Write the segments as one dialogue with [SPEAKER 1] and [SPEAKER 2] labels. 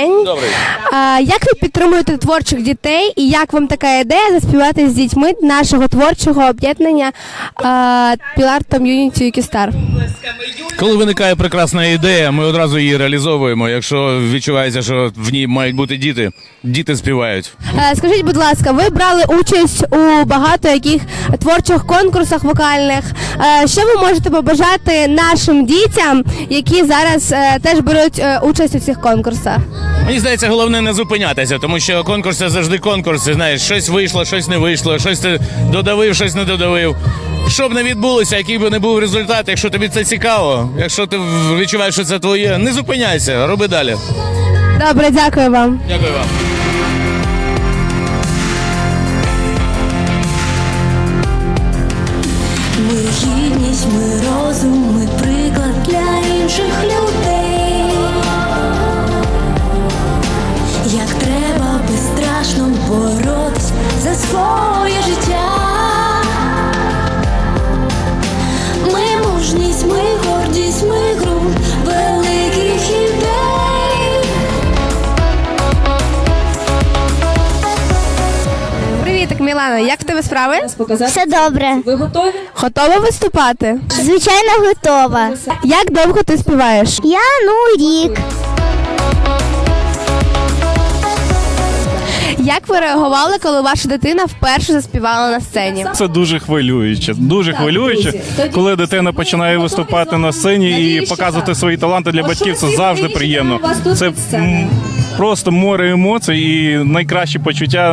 [SPEAKER 1] день.
[SPEAKER 2] Добрий.
[SPEAKER 1] Як ви підтримуєте творчих дітей і як вам така ідея заспівати з дітьми нашого творчого об'єднання Pilar Community Юкістар?
[SPEAKER 2] Коли виникає прекрасна ідея, ми одразу її реалізовуємо. Якщо відчувається, що в ній мають бути діти, діти співають.
[SPEAKER 1] Скажіть, будь ласка, ви брали участь у багато яких творчих конкурсах вокальних. Що ви можете побажати нашим дітям, які зараз теж беруть участь у цих конкурсах?
[SPEAKER 2] Мені здається, головне не зупинятися, тому що конкурси завжди конкурси. Знаєш, щось вийшло, щось не вийшло, щось ти додавив, щось не додавив. Що б не відбулося, який би не був результат, якщо тобі це цікаво, якщо ти відчуваєш, що це твоє, не зупиняйся, роби далі.
[SPEAKER 1] Добре, дякую вам.
[SPEAKER 2] Дякую вам.
[SPEAKER 3] Ми гідність, ми розум, ми приклад для інших людей. Як треба безстрашно боротись за своє життя. Ми мужність, ми гордість, ми ґрунт великих ідей.
[SPEAKER 1] Привітик, Мілана, як в тебе справи?
[SPEAKER 4] Все добре.
[SPEAKER 5] Ви готові?
[SPEAKER 1] Готова виступати?
[SPEAKER 4] Звичайно, готова.
[SPEAKER 1] Як довго ти співаєш?
[SPEAKER 4] Я, рік.
[SPEAKER 1] Як ви реагували, коли ваша дитина вперше заспівала на сцені?
[SPEAKER 6] Це дуже хвилююче. Дуже хвилююче, коли дитина починає виступати на сцені і показувати свої таланти для батьків. Це завжди приємно. Це просто море емоцій і найкращі почуття.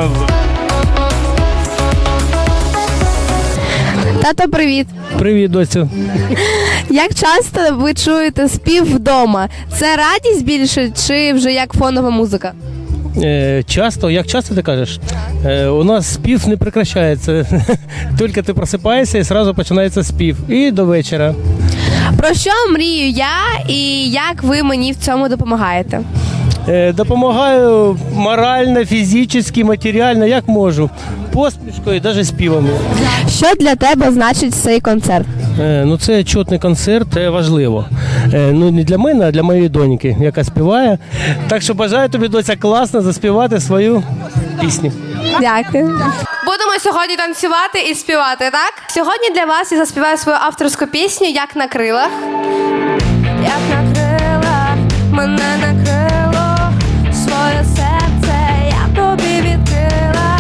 [SPEAKER 1] Тато, привіт.
[SPEAKER 7] Привіт, доця.
[SPEAKER 1] Як часто ви чуєте спів вдома? Це радість більше чи вже як фонова музика?
[SPEAKER 7] Часто, як часто ти кажеш? У нас спів не прекращається. Тільки ти просипаєшся і одразу починається спів. І до вечора.
[SPEAKER 1] Про що мрію я і як ви мені в цьому допомагаєте?
[SPEAKER 7] Допомагаю морально, фізично, матеріально, як можу. Посмішкою, навіть співами.
[SPEAKER 1] Що для тебе значить цей концерт?
[SPEAKER 7] Це чутний концерт, це важливо. Не для мене, а для моєї доньки, яка співає. Так що бажаю тобі, доця, класно заспівати свою пісню.
[SPEAKER 1] Дякую. Будемо сьогодні танцювати і співати, так? Сьогодні для вас я заспіваю свою авторську пісню «Як на крилах». Як на крилах мене накрило, своє серце я тобі відкрила.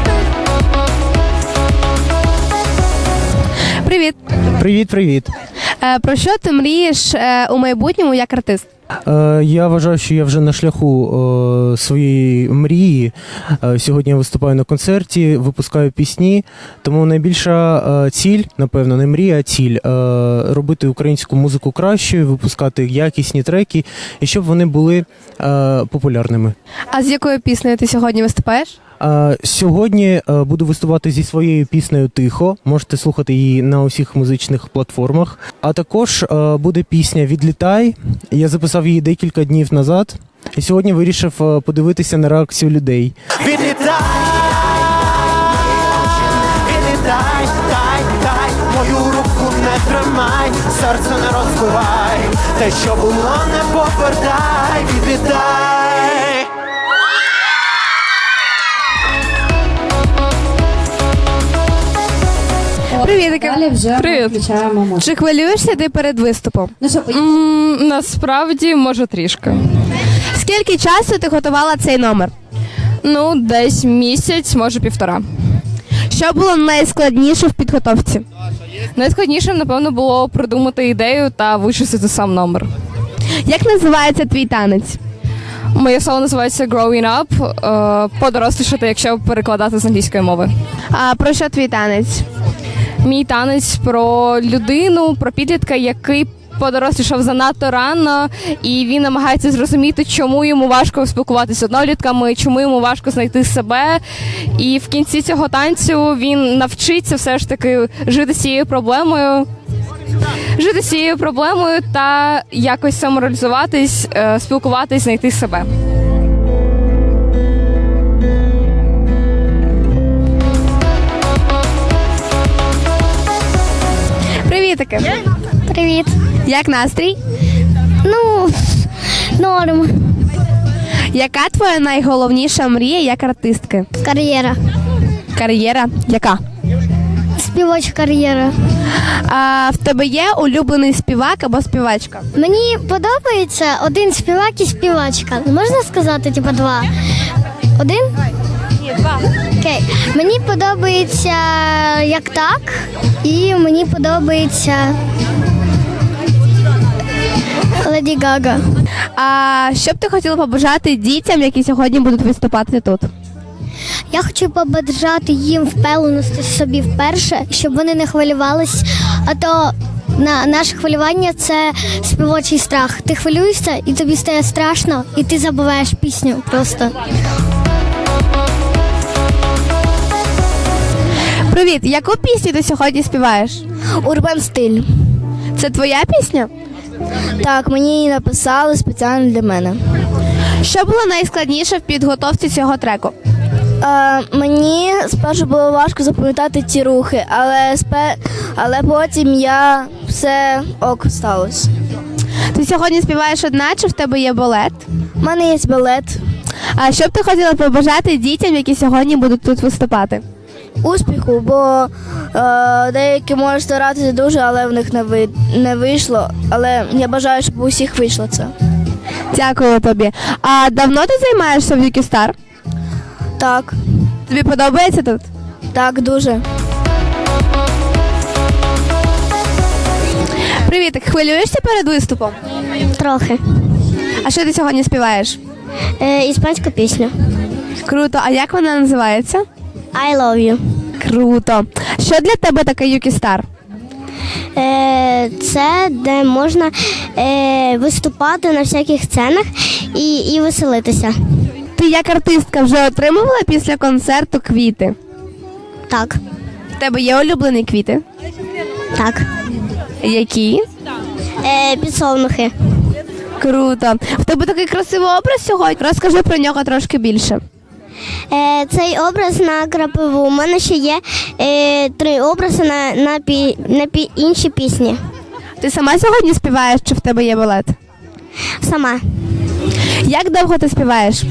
[SPEAKER 1] Привіт.
[SPEAKER 8] Привіт.
[SPEAKER 1] Про що ти мрієш у майбутньому як артист?
[SPEAKER 8] Я вважаю, що я вже на шляху своєї мрії. Сьогодні я виступаю на концерті, випускаю пісні, тому найбільша ціль, напевно, не мрія, а ціль робити українську музику кращою, випускати якісні треки, і щоб вони були популярними.
[SPEAKER 1] А з якою піснею ти сьогодні виступаєш?
[SPEAKER 8] Сьогодні буду виступати зі своєю піснею «Тихо». Можете слухати її на усіх музичних платформах. А також буде пісня «Відлітай». Я записав її декілька днів назад. І сьогодні вирішив подивитися на реакцію людей.
[SPEAKER 9] Відлітай, відлітай, тай, мою руку не тримай, серце не розбивай, те, що було, не повертай, відлітай.
[SPEAKER 1] Привіт.
[SPEAKER 5] Привіт.
[SPEAKER 1] Чи хвилюєшся ти перед виступом?
[SPEAKER 5] Насправді, може, трішки.
[SPEAKER 1] Скільки часу ти готувала цей номер?
[SPEAKER 5] Десь місяць, може, півтора.
[SPEAKER 1] Що було найскладніше в підготовці?
[SPEAKER 5] Найскладнішим, напевно, було придумати ідею та вичистити сам номер.
[SPEAKER 1] Як називається твій танець?
[SPEAKER 5] Моє соло називається Growing Up, подорослішати, якщо перекладати з англійської мови.
[SPEAKER 1] А про що твій танець?
[SPEAKER 5] Мій танець про людину, про підлітка, який подорослішав занадто рано, і він намагається зрозуміти, чому йому важко спілкуватися з однолітками, чому йому важко знайти себе. І в кінці цього танцю він навчиться все ж таки жити з цією проблемою та якось самореалізуватись, спілкуватись, знайти себе.
[SPEAKER 1] Привітики.
[SPEAKER 4] Привіт.
[SPEAKER 1] Як настрій?
[SPEAKER 4] Норм.
[SPEAKER 1] Яка твоя найголовніша мрія як артистки?
[SPEAKER 4] Кар'єра.
[SPEAKER 1] Кар'єра? Яка?
[SPEAKER 4] Співоча кар'єра.
[SPEAKER 1] А в тебе є улюблений співак або співачка?
[SPEAKER 4] Мені подобається один співак і співачка. Можна сказати, типу, два? Один?
[SPEAKER 1] Ні, два.
[SPEAKER 4] Окей. Мені подобається як так, і мені подобається Леді Гага.
[SPEAKER 1] А що б ти хотіла побажати дітям, які сьогодні будуть виступати тут?
[SPEAKER 4] Я хочу побажати їм впевненості собі вперше, щоб вони не хвилювались. А то наше хвилювання це співочий страх. Ти хвилюєшся, і тобі стає страшно, і ти забуваєш пісню просто.
[SPEAKER 1] Привіт, яку пісню ти сьогодні співаєш?
[SPEAKER 4] Урбан стиль.
[SPEAKER 1] Це твоя пісня?
[SPEAKER 4] Так, мені її написали спеціально для мене.
[SPEAKER 1] Що було найскладніше в підготовці цього треку?
[SPEAKER 4] Мені спершу було важко запам'ятати ці рухи, але потім я все ок сталося.
[SPEAKER 1] Ти сьогодні співаєш одна, чи в тебе є балет?
[SPEAKER 4] У мене є балет.
[SPEAKER 1] А що б ти хотіла побажати дітям, які сьогодні будуть тут виступати?
[SPEAKER 4] Успіху, бо деякі можуть старатися дуже, але в них не вийшло. Але я бажаю, щоб у всіх вийшло це.
[SPEAKER 1] Дякую тобі. А давно ти займаєшся в Юкі Стар?
[SPEAKER 4] Так,
[SPEAKER 1] Тобі подобається тут?
[SPEAKER 4] так, дуже.
[SPEAKER 1] Привіт, хвилюєшся перед виступом?
[SPEAKER 4] Трохи.
[SPEAKER 1] А що ти сьогодні співаєш?
[SPEAKER 4] Іспанську пісню.
[SPEAKER 1] Круто, а як вона називається?
[SPEAKER 4] I love you.
[SPEAKER 1] Круто. Що для тебе таке Юкі Стар?
[SPEAKER 4] Це де можна виступати на всяких сценах і веселитися.
[SPEAKER 1] Ти як артистка вже отримувала після концерту квіти?
[SPEAKER 4] Так,
[SPEAKER 1] В тебе є улюблені квіти?
[SPEAKER 4] так.
[SPEAKER 1] Які?
[SPEAKER 4] Підсолнухи.
[SPEAKER 1] Круто. В тебе такий красивий образ сьогодні. Розкажи про нього трошки більше.
[SPEAKER 4] Цей образ на крапиву. У мене ще є 3 образи на інші пісні.
[SPEAKER 1] Ти сама сьогодні співаєш, чи в тебе є балет?
[SPEAKER 4] Сама.
[SPEAKER 1] Як довго ти співаєш?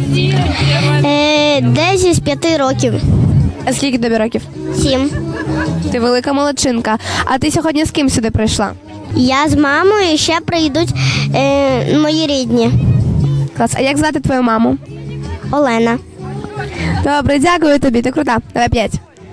[SPEAKER 4] Десь із 5 років.
[SPEAKER 1] А скільки тобі років?
[SPEAKER 4] 7.
[SPEAKER 1] Ти велика молодчинка. А ти сьогодні з ким сюди прийшла?
[SPEAKER 4] Я з мамою, і ще прийдуть мої рідні.
[SPEAKER 1] Клас. А як звати твою маму?
[SPEAKER 4] Олена.
[SPEAKER 1] Добре, дякую тобі, ти крута. Давай 5.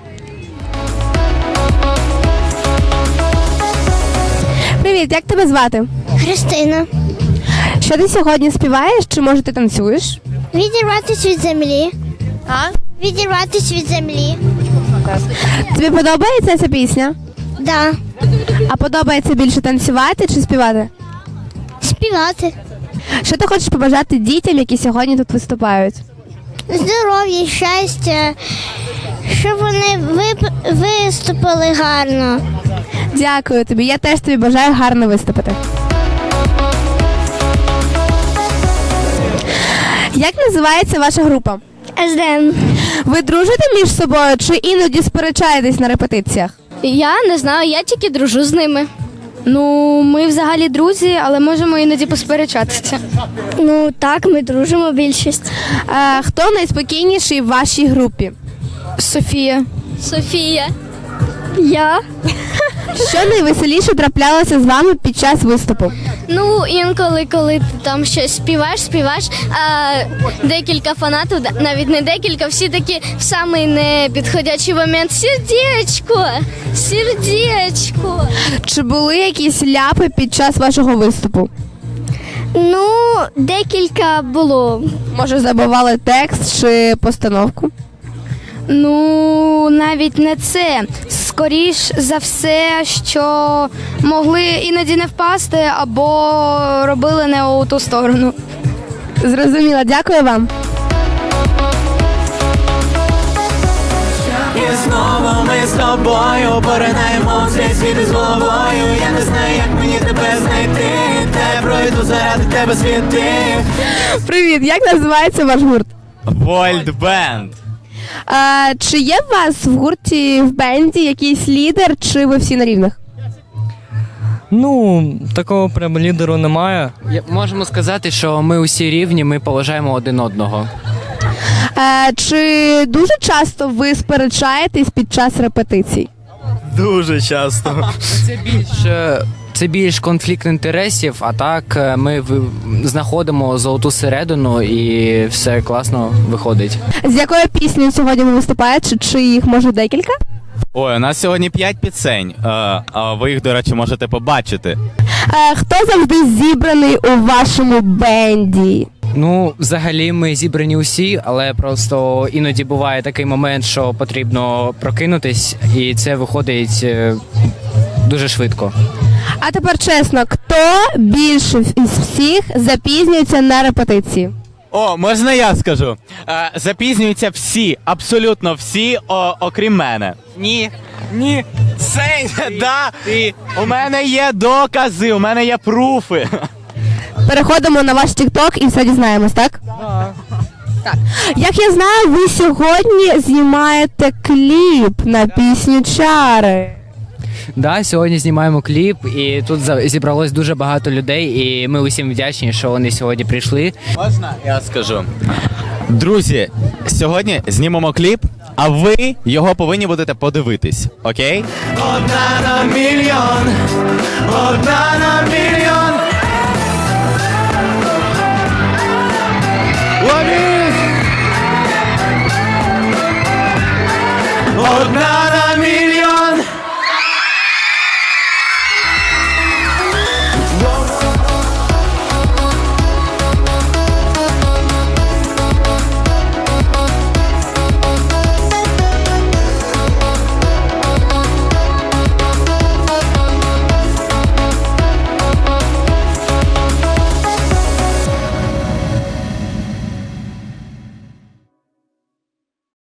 [SPEAKER 1] Привіт, як тебе звати?
[SPEAKER 4] Христина.
[SPEAKER 1] Що ти сьогодні співаєш, чи може ти танцюєш?
[SPEAKER 4] Відірватися від землі.
[SPEAKER 1] А?
[SPEAKER 4] Відірватися від землі.
[SPEAKER 1] Тобі подобається ця пісня?
[SPEAKER 4] Да.
[SPEAKER 1] А подобається більше танцювати чи співати?
[SPEAKER 4] Співати.
[SPEAKER 1] Що ти хочеш побажати дітям, які сьогодні тут виступають?
[SPEAKER 4] Здоров'я, щастя, щоб вони виступили гарно.
[SPEAKER 1] Дякую тобі. Я теж тобі бажаю гарно виступити. Як називається ваша група?
[SPEAKER 4] СДМ.
[SPEAKER 1] Ви дружите між собою чи іноді сперечаєтесь на репетиціях?
[SPEAKER 5] Я не знаю, я тільки дружу з ними. Ну, ми взагалі друзі, але можемо іноді посперечатися.
[SPEAKER 4] Ну так, ми дружимо більшість.
[SPEAKER 1] Хто найспокійніший в вашій групі?
[SPEAKER 5] Софія. Софія.
[SPEAKER 4] Я.
[SPEAKER 1] Що найвеселіше траплялося з вами під час виступу?
[SPEAKER 5] Ну, інколи, коли ти там щось співаєш, а декілька фанатів, навіть не декілька, всі такі в самий непідходячий момент. Сердечко.
[SPEAKER 1] Чи були якісь ляпи під час вашого виступу?
[SPEAKER 4] Ну, декілька було.
[SPEAKER 1] Може, забували текст чи постановку?
[SPEAKER 5] Ну, навіть не це. Скоріш за все, що могли іноді не впасти або робили не у ту сторону.
[SPEAKER 1] Зрозуміла, дякую вам.
[SPEAKER 9] І знову ми з тобою поринаємо в цей світ з головою. Я не знаю, як мені тебе знайти. Та я пройду заради тебе світи.
[SPEAKER 1] Привіт, як називається ваш гурт?
[SPEAKER 10] Вольт Бенд.
[SPEAKER 1] Чи є в вас в гурті, в бенді якийсь лідер, чи ви всі на рівних?
[SPEAKER 11] Ну, такого прям лідеру немає.
[SPEAKER 10] Можемо сказати, що ми усі рівні, ми поважаємо один одного.
[SPEAKER 1] Чи дуже часто ви сперечаєтесь під час репетицій?
[SPEAKER 11] Дуже часто.
[SPEAKER 10] Це більш конфлікт інтересів, а так ми знаходимо золоту середину і все класно виходить.
[SPEAKER 1] З якою піснею сьогодні ви виступаєте? Чи їх може декілька?
[SPEAKER 10] Ой, у нас сьогодні 5 пісень, а ви їх, до речі, можете побачити.
[SPEAKER 1] Хто завжди зібраний у вашому бенді?
[SPEAKER 10] Ну, взагалі, ми зібрані усі, але просто іноді буває такий момент, що потрібно прокинутись, і це виходить дуже швидко.
[SPEAKER 1] А тепер чесно, хто більше із всіх запізнюється на репетиції?
[SPEAKER 12] О, можна я скажу? Запізнюються всі, абсолютно всі, окрім мене. Ні. Да. У мене є докази, у мене є пруфи.
[SPEAKER 1] Переходимо на ваш TikTok і все дізнаємось, так? Так. Як я знаю, ви сьогодні знімаєте кліп на пісню «Чари».
[SPEAKER 10] Да, сьогодні знімаємо кліп, і тут зібралось дуже багато людей, і ми усім вдячні, що вони сьогодні прийшли.
[SPEAKER 12] Можна я скажу? Друзі, сьогодні знімемо кліп, а ви його повинні будете подивитись, окей? Одна на мільйон, одна на мільйон.